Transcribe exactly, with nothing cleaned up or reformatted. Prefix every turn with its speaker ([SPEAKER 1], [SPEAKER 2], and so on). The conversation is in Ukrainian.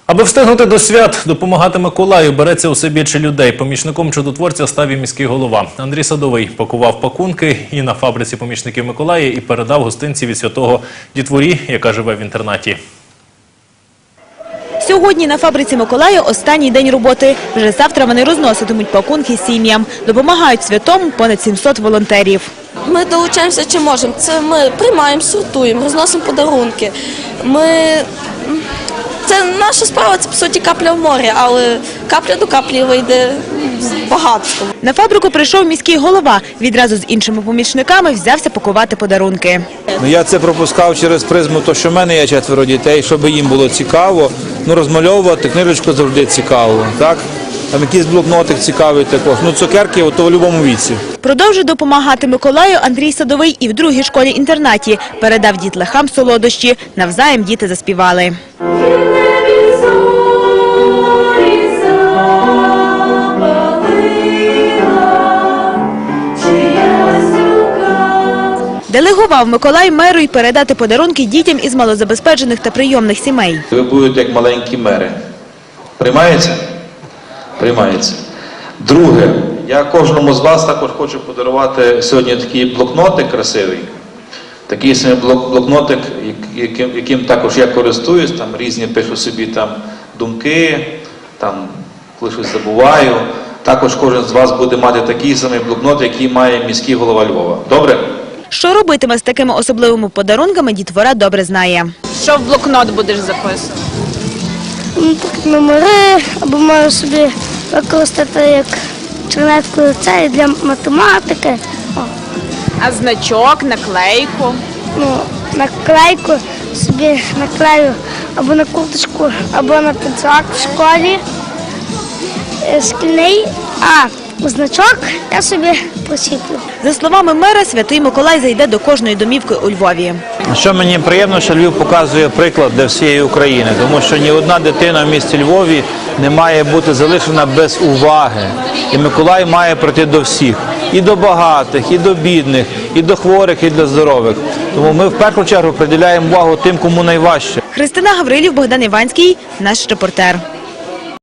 [SPEAKER 1] Аби встигнути до свят, допомагати Миколаю береться усе більше людей. Помічником чудотворця став і міський голова. Андрій Садовий пакував пакунки і на фабриці помічників Миколая і передав гостинці від святого дітворі, яка живе в інтернаті.
[SPEAKER 2] Сьогодні на фабриці Миколая останній день роботи. Вже завтра вони розноситимуть пакунки сім'ям. Допомагають святому понад сімсот волонтерів.
[SPEAKER 3] Ми долучаємося чи можемо. Це ми приймаємо, сортуємо, розносимо подарунки. Ми... Це наша справа, це, по суті, капля в морі, але капля до каплі вийде багато.
[SPEAKER 2] На фабрику прийшов міський голова. Відразу з іншими помічниками взявся пакувати подарунки.
[SPEAKER 4] Ну, я це пропускав через призму, то що в мене є четверо дітей, щоб їм було цікаво. Ну, розмальовувати книжечку завжди цікаво, так? Там якийсь блокнотик цікавий також. Ну, цукерки, то в будь-якому віці.
[SPEAKER 2] Продовжує допомагати Миколаю Андрій Садовий і в другій школі-інтернаті. Передав дітлахам солодощі. Навзаєм діти заспівали. Делегував Миколай меру й передати подарунки дітям із малозабезпечених та прийомних сімей.
[SPEAKER 5] Ви будете як маленькі мери. Приймається? Приймається. Друге, я кожному з вас також хочу подарувати сьогодні такий блокнотик красивий. Такий самий блокнотик, яким, яким також я користуюсь, там різні пишу собі там думки, там коли щось забуваю. Також кожен з вас буде мати такий самий блокнот, який має міський голова Львова. Добре?
[SPEAKER 2] Що робитиме з такими особливими подарунками, дітвора добре знає. Що в блокнот будеш записувати?
[SPEAKER 6] Номери, або можу собі використати як чернетку це для математики. О.
[SPEAKER 2] А значок, наклейку?
[SPEAKER 6] Ну, наклейку собі наклею або на курточку, або на підсак в школі. Шкільний, а значок я собі посіплю.
[SPEAKER 2] За словами мера, святий Миколай зайде до кожної домівки у Львові.
[SPEAKER 4] Що мені приємно, що Львів показує приклад для всієї України, тому що ні одна дитина в місті Львові не має бути залишена без уваги. І Миколай має прийти до всіх. І до багатих, і до бідних, і до хворих, і до здорових. Тому ми в першу чергу приділяємо увагу тим, кому найважче.
[SPEAKER 2] Христина Гаврилів, Богдан Іванський, наш репортер.